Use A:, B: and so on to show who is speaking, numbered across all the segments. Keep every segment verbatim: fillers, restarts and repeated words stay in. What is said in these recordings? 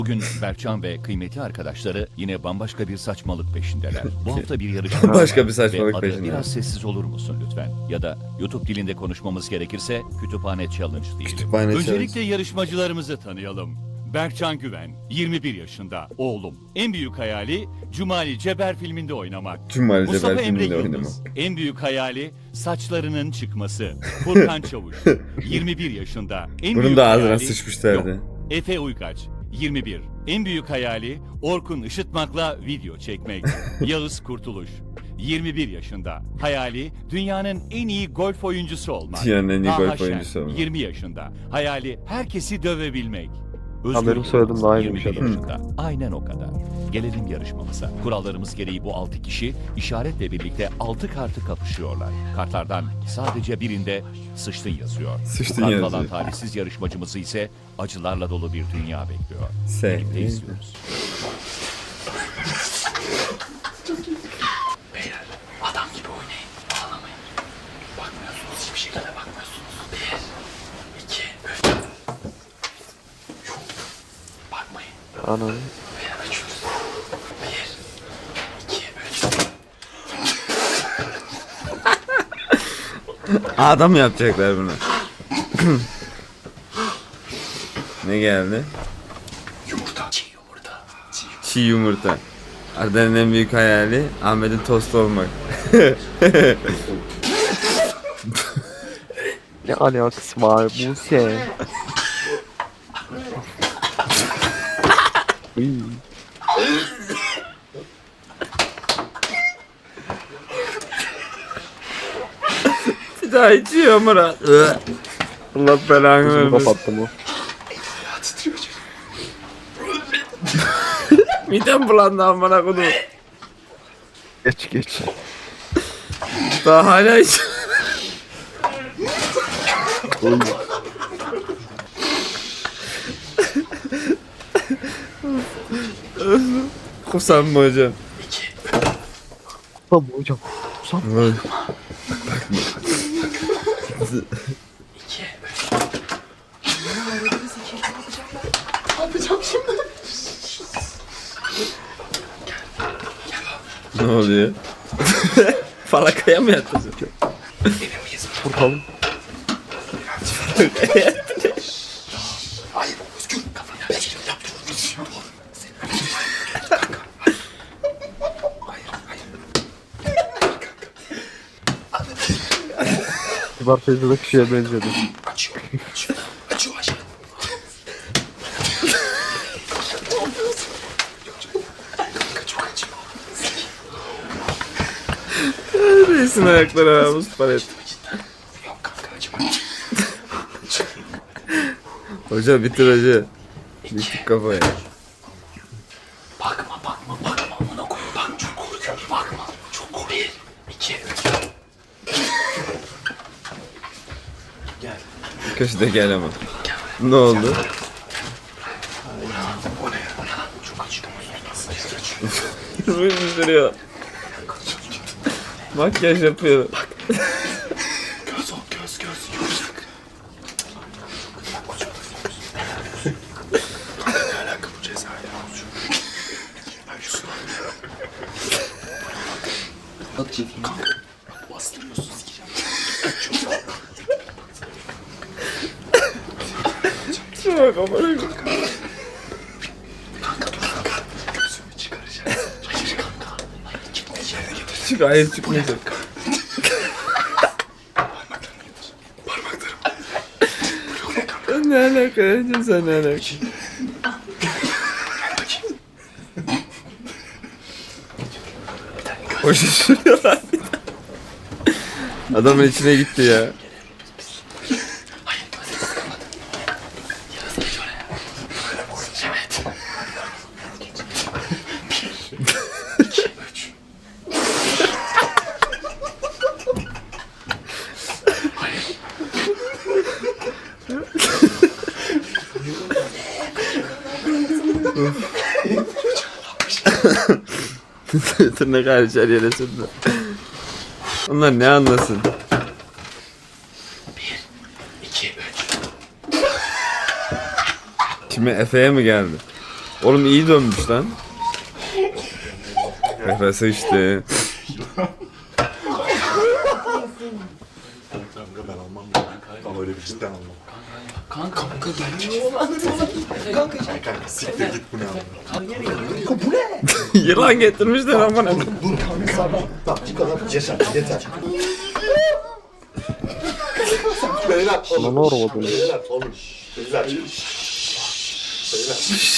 A: Bugün Berkcan ve kıymetli arkadaşları yine bambaşka bir saçmalık peşindeler. Bu hafta bir yarışma
B: Başka
A: var
B: bir saçmalık
A: ve adı
B: peşinde.
A: biraz sessiz olur musun lütfen? Ya da YouTube dilinde konuşmamız gerekirse kütüphane challenge değil.
B: Kütüphane
A: Öncelikle
B: challenge.
A: yarışmacılarımızı tanıyalım. Berkcan Güven, yirmi bir yaşında, oğlum. En büyük hayali Cumali Ceber filminde oynamak.
B: Cumali
A: Mustafa
B: Ceber
A: Emre
B: filminde
A: Yıldız,
B: oynamak.
A: en büyük hayali saçlarının çıkması. Furkan Çavuş, yirmi bir yaşında, en
B: Bunun
A: büyük
B: da ağzına
A: hayali...
B: sıçmışlardı.
A: Yok. Efe Uygaç, yirmi bir. En büyük hayali Orkun Işıtmak'la video çekmek. Yağız Kurtuluş, yirmi bir yaşında. Hayali dünyanın en iyi golf oyuncusu olmak.
B: Dünyanın en iyi
A: Taha
B: golf
A: Şen,
B: oyuncusu olmak.
A: yirmi yaşında. Hayali herkesi dövebilmek. Özgür
C: Ha, benim
A: Yılmaz,
C: soyadım da aynıymış
A: yirmi bir
C: adam.
A: yaşında. Aynen o kadar. Gelelim yarışmamıza. Kurallarımız gereği bu altı kişi işaretle birlikte altı kartı kapışıyorlar. Kartlardan sadece birinde sıçtın yazıyor.
B: Sıçtın
A: Bu kart
B: yazıyor.
A: alan talihsiz yarışmacımızı ise acılarla dolu bir dünya bekliyor.
B: Se-
A: Birlikte izliyoruz.
D: Beyler adam gibi oynayın. Ağlamayın. Bakmıyorsunuz. Hiçbir şekilde bakmıyorsunuz. Bir, iki, üç. Yok. Bakmayın.
C: Anam.
D: Beyler açıyoruz. Bir, iki, üç.
B: Adam yapacaklar bunu. Ne geldi?
D: Yumurta. Çiğ yumurta. Çiğ yumurta.
B: Çiğ yumurta. Arda'nın en büyük hayali Ahmet'in tost olmak.
C: Ne alakası var Buse? Uy.
B: Bir daha içiyor Murat. Allah belanı
C: Gözümü
B: vermesin.
C: kapattım o.
D: Ya titriyor çocuk.
B: Midem bulandı amına kodum.
C: Geç geç.
B: Daha hala içiyor.
C: Uy.
B: Kusam mı hocam?
D: İki,
C: Tamam hocam. Sam.
D: iki, üç. Ne yapacağım şimdi?
B: Ne oluyor? Falakaya mı yattın?
D: Emin miyiz?
C: Vuralım.
D: Hayır. Özgür. Kafana bir yap. Dur. Hayır. Hayır.
C: Kibar teyzedeki şeye benziyordu.
D: Açıyor. Açıyor. Açıyor aşağı. Kanka çok acıyor.
B: Reisin ayakları havuz palet.
D: Yok kanka acıma.
B: Hoca bitir hoca. Bitik kafaya.
D: Bakma bakma bakma amına koy. Bak çok korkuyorum. Bakma. Çok korkuyorum. Bir, iki, üç. Gel.
B: Köşede gel ama. Ne oldu?
D: O ne ya? O ne lan? Çok acıyor. Nasıl acıyor?
B: Ruymuş duruyor. Makyaj yapıyor.
D: Göz ol göz göz. Yumuşak. Ne alaka bu ceza ya? Ben şu Hadi çekeyim. Kanka bastırıyorsun sikeceğim.
B: Şuna bak amına koyayım.
D: Kanka dur kanka. Gözümü çıkaracağız. Hayır kanka. Hayır gitmeyeceğim. Getir.
B: Çık hayır çıkmayacak.
D: Parmaklarını getir. Parmaklarım. Blok ne kanka?
B: Ne alaka hocam sen ne alaka?
D: Gel bakayım.
B: O şaşırıyorlar bir de. Adamın içine gitti ya.
D: Hayır gözlerimi kapat. Yarasını geç oraya. Evet. Bir, iki, üç. Hayır.
B: Tırnak hariç her yere sürdü. Onlar ne anlasın?
D: Bir, iki, üç.
B: Kime Efe'ye mi geldi? Oğlum iyi dönmüş lan. Kafası işte.
D: Kanka ben almam ya. Ama öyle bir cidden almam.
E: Kanka kanka
D: Kanka kanka siktir git bu ne abi.
B: Yılan getirmişler amına.
D: Tamam bu kadar yeter yeter. Beyler
C: Lan
D: oğlum.
C: orada böyle.
D: Beyler oğlum. Beyler. Beyler.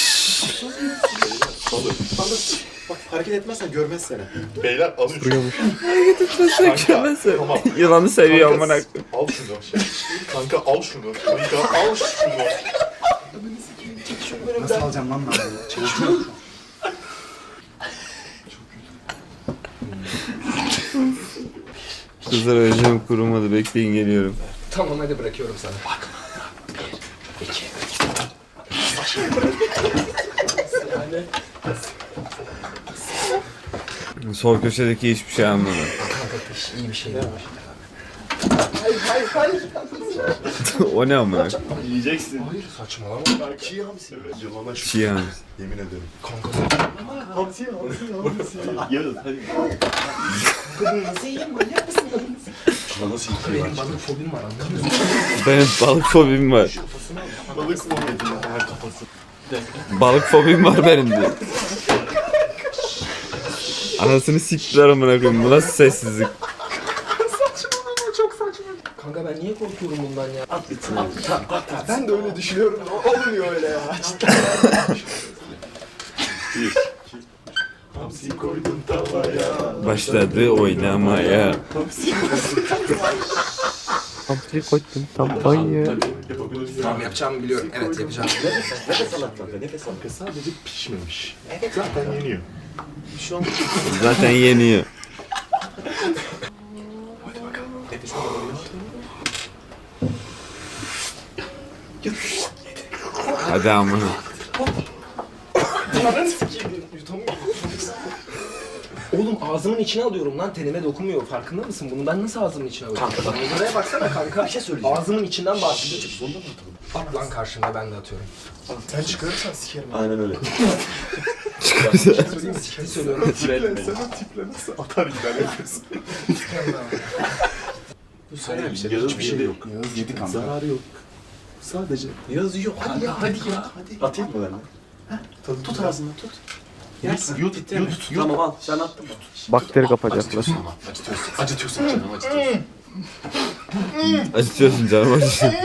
D: Beyler. Bak hareket etmezsen görmez seni. Beyler alın şunu.
C: Duruyormuş.
D: Kanka, tamam.
B: Yılanı seviyor
D: Kanka,
B: amına.
D: Al şunu. Kanka al şunu. Kanka al şunu.
F: Nasıl alacağım lan ben bunu? Çek şunu.
B: Kızlar öleceğim kurumadı. Bekleyin geliyorum.
E: tamam hadi bırakıyorum sana. Bak. Bir, iki,
B: Sol köşedeki hiçbir şey anlamadım.
E: kanka iyi bir şey değil.
B: O ne amına?
D: Yiyeceksin.
E: Hayır saçmalama.
D: Çiğ hamsi. Yılana şu.
B: Çiğ hamsi.
D: Yemin ederim.
E: Kanka
D: Hamsi hamsi hamsi. Yarın hadi.
E: nasıl yiyeyim manyak mısın?
D: Nasıl
E: Benim balık fobim var anladın mı?
B: Benim balık fobim var.
D: Balık mı yedin? Her kafası.
B: Balık fobim var benim de. Anasını siktiler amına koyayım. Bu nasıl sessizlik?
E: Kanka ben niye korkuyorum bundan ya?
D: At bitsin. Ben de öyle düşünüyorum. Olmuyor öyle ya. Bir. Hamsi koydum tavaya.
B: Başladı oynamaya.
C: Hamsiyi koydum tam banyo.
D: Yapabilirsin.
E: Tamam yapacağımı biliyorum. Evet yapacağım.
D: Nefes al kanka. Nefes al. Kanka sadece pişmemiş. Zaten yeniyor. Şu an
B: Zaten yeniyor.
D: nefes al.
B: Hadi amına.
E: Oğlum ağzımın içine alıyorum lan tenime dokunmuyor. Farkında mısın? Bunu ben nasıl ağzımın içine alıyorum? Kanka bak. Buraya baksana kanka. Bir şey söyleyeceğim. Ağzımın içinden bahsediyor.
D: Zonda mı atalım?
E: At lan karşımda ben de atıyorum.
D: Sen çıkarırsan sikerim. Aynen öyle.
E: Söyleyeyim mi? Ciddi söylüyorum.
D: Tiple, sen o tiple nasıl atar gider yapıyorsun?
E: Bu söyle bir şey.
D: Yağız
E: Hiçbir
D: bir
E: şey
D: şey
E: yok.
D: yok.
F: Yağız yedi kanka.
D: Zararı yok. Sadece. Yağız yiyor. Hadi ya. Hadi ya. Hadi. Atayım mı ben de? Tut ağzını tut. Yersin. Yut, yut, yut. Tamam al. Sen attın mı?
C: Bakteri kapacaklar.
D: Acıtıyorsun. Acıtıyorsun canım acıtıyorsun.
B: Acıtıyorsun canım acıtıyorsun.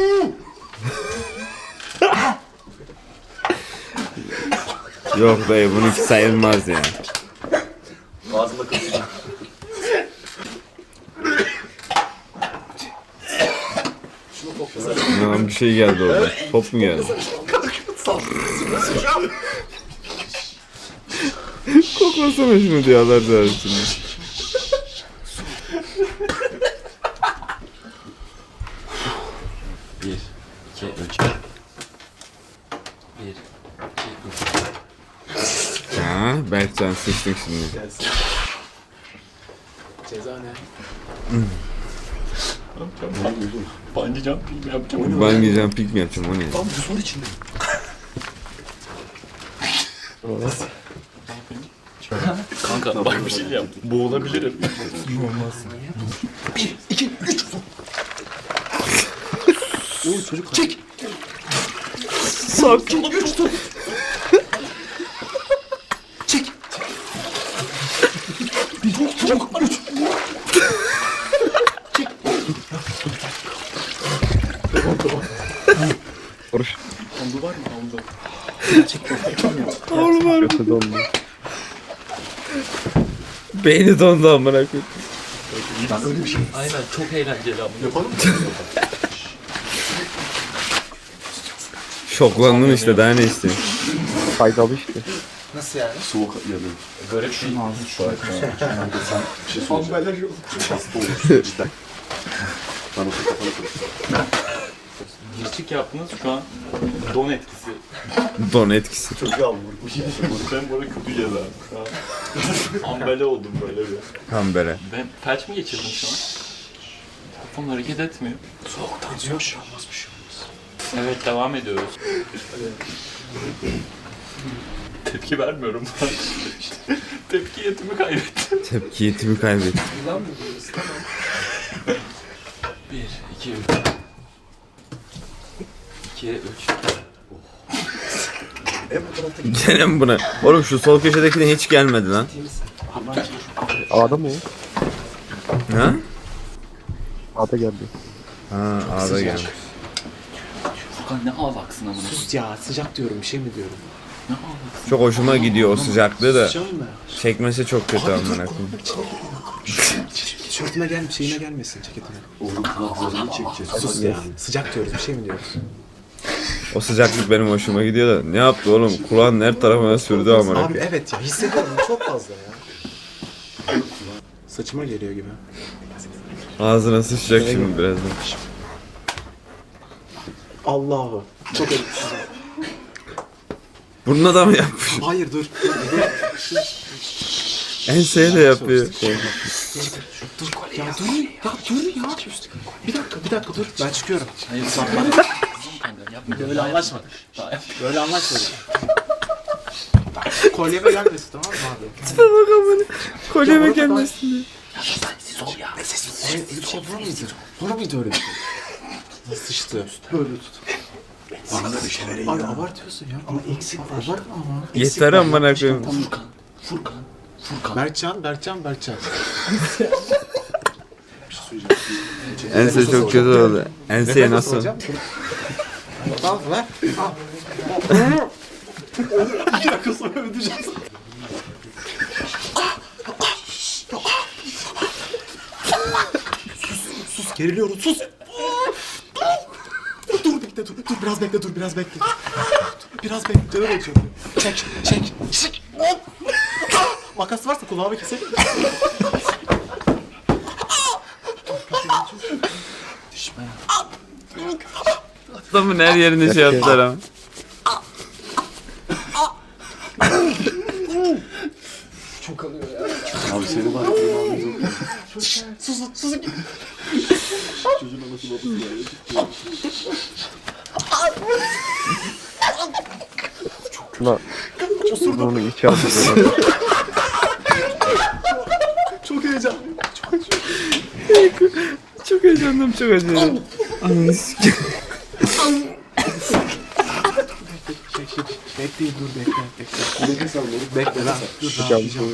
B: Yok be bununki sayılmaz ya.
D: Ağzımda kalacak.
B: Lan bir şey geldi orada. Top mu geldi? Koklasana şunu diye Allah razı olsun.
G: Bir, iki, üç. Bir, iki, üç.
B: Ha, Berkcan sıçtık şimdi.
D: Ceza ne? Bungee jumping mi yapacağım?
B: Bungee jumping mi yapacağım o ne?
D: Tam buzun içinde.
G: Kanka bak bir şey yaptım.
D: Boğulabilirim.
C: Vuruş.
D: Ondu var mı? Ondu.
C: Kötü dondu.
B: Beyni dondu amına koyayım.
D: Öyle bir şey.
G: Aynen çok eğlenceli ama.
D: Yapalım mı?
B: Şoklandım işte daha ne istiyorsun?
C: Faydalı işte.
E: Nasıl yani?
D: Soğuk yanıyor.
G: Garip şey.
F: Şunun ağzını şu.
D: Kanka sen bir şey söyleyeceğim. Ambalaj yok. Hasta olursun cidden. Ben o kafanı kırdım.
G: Girçik yaptınız şu an don etkisi.
B: Don etkisi.
D: Çok yağmur. Ben bana kötü ceza. Ambele oldum böyle bir.
B: Kambere.
G: Ben felç mi geçirdim şu an? Telefon hareket etmiyor.
D: Soğuktan yok. Bir şey olmaz bir şey olmaz.
G: Evet devam ediyoruz. Tepki vermiyorum. Tepki yetimi kaybettim.
B: Tepki yetimi kaybettim.
E: Yılan mı diyoruz? Tamam.
G: Bir, iki, üç. İki, üç.
B: Gene mi buna? Oğlum şu sol köşedekine hiç gelmedi lan.
C: A'da mı o?
B: Ha?
C: A'da geldi.
B: Ha A'da gelmiş.
G: Furkan ne ağlaksın amına.
D: Sus ya sıcak diyorum bir şey mi diyorum?
G: Ne ağlaksın.
B: Çok hoşuma gidiyor o sıcaklığı da.
D: Sıcak mı?
B: Çekmesi çok kötü amına koyayım.
D: Tişörtüne gel şeyine gelmesin ceketine.
F: Oğlum kulaklarını çekeceğiz.
D: Sus ya. Sıcak diyoruz bir şey mi diyoruz?
B: O sıcaklık benim hoşuma gidiyor da. Ne yaptı oğlum? Kulağın her tarafına sürdü amına
D: Abi
B: koyayım.
D: evet ya hissediyorum çok fazla ya. Saçıma geliyor gibi.
B: Ağzına sıçacak şimdi birazdan.
D: Allah'ım. Çok elim.
B: Burnuna da mı yapmış?
D: Hayır dur.
B: Enseye de yapıyor.
D: Dur ya dur. Ya dur ya. Bir dakika bir dakika dur. Ben çıkıyorum.
G: Hayır sen bana. Yapma.
D: Böyle anlaşmadık.
G: Daha yap.
D: Böyle anlaşmadık. Kolyeme gelmesin tamam mı abi?
B: Bak amına. Kolyeme gelmesin.
G: Siz ol ya.
D: Öyle bir şey var mıydı? Var mıydı öyle bir şey? Nasıl sıçtı? Böyle tut.
F: Bana da bir şeyler
D: Abi
F: yiyor.
D: abartıyorsun ya.
F: Ama eksik var.
D: Abartma ama.
B: Yeter amına koyayım.
G: Furkan. Furkan. Furkan.
D: Berkcan, Berkcan, Berkcan.
B: Ense çok kötü oldu. Enseye
D: Nefes
B: nasıl?
D: alacağım. Al ver. Al. İki dakika sonra ödeyeceğim. Sus, sus, geriliyorum, sus. Dur bekle, dur, dur biraz bekle, dur biraz bekle. Dur, biraz bekle, canım acıyor. Çek, çek, çek. Makas varsa kulağımı keselim.
B: Adamın her yerini şey yaptılar ama.
E: Çok alıyor ya.
F: Abi seni var.
D: Sus, sus.
F: Çocuğun anası babası ya.
C: Ulan. Bunu içi aldı.
D: Çok heyecanlıyım. Çok acıyor.
B: Çok heyecanlıyım, çok acıyor. Ananı sikeyim.
D: Bekleyin dur bekle bekle.
F: Nefes al moruk.
D: Bekle lan. Dur ne yapacağım.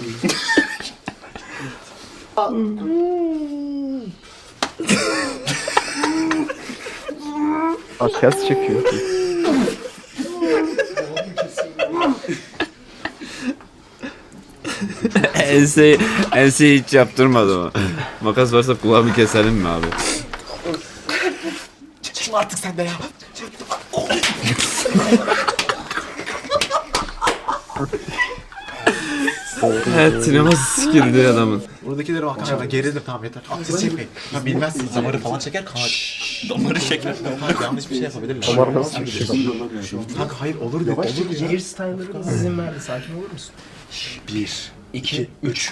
C: Aa ters çekiyor.
B: Enseyi, enseyi hiç yaptırmadı ama. Makas varsa kulağımı keselim mi abi?
D: Çekil artık sen de ya.
B: Evet, sineması sikildi adamın.
D: Buradakileri bak kanka geridir tamam yeter. Siz çekmeyin. Ya bilmezsin damarı falan çeker kanka.
G: Damarı şeker.
D: Kanka yanlış bir şey yapabilirler.
C: Damar nasıl çekiyor?
D: Kanka hayır olur dedi. Olur ya.
E: Gear Steiner'ın izin verdi. Sakin olur musun?
D: Bir,
E: İki, üç.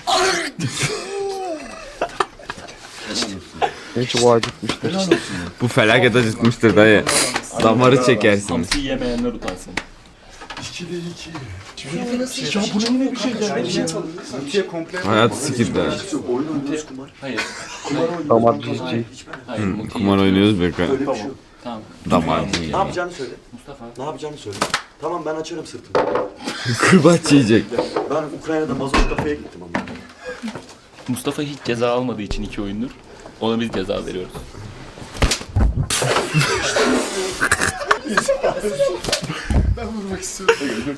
C: Hiç o acıtmıştır.
B: Bu felaket acıtmıştır dayı. Damarı çekersiniz.
G: Hamsi yemeyenler utansın.
F: İkide iki.
E: Ya bu ne bir şey ya? Bir şey yapalım.
F: Mutiye komple.
B: Hayat sikildi ha.
F: Yok oyun oynuyoruz kumar.
G: Hayır.
F: Kumar oynuyoruz.
C: Damar
F: Kumar
C: cici.
F: oynuyoruz. Hiç ben-
G: Hayır.
B: Hı,
G: Muti'yi-
B: kumar oynuyoruz be kanka.
F: Öyle bir şey yok.
G: Tamam.
B: Damar.
F: Ne yapacağını söyle.
G: Mustafa.
F: Ne yapacağını söyle. Tamam ben açarım sırtımı.
B: Kırbaç yiyecek.
F: Ben Ukrayna'da mazot kafeye gittim ama.
G: Mustafa hiç ceza almadığı için iki oyundur. Ona biz ceza veriyoruz.
D: Ben vurmak istiyorum.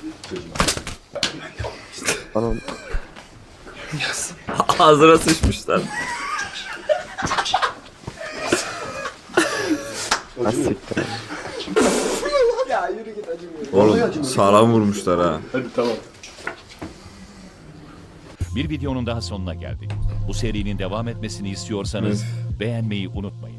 C: Anam.
B: Ağzına sıçmışlar.
C: Ha siktir.
E: Ya yürü git acımıyor.
B: Oğlum sağlam vurmuşlar ha.
G: Hadi tamam.
A: Bir videonun daha sonuna geldik. Bu serinin devam etmesini istiyorsanız beğenmeyi unutmayın.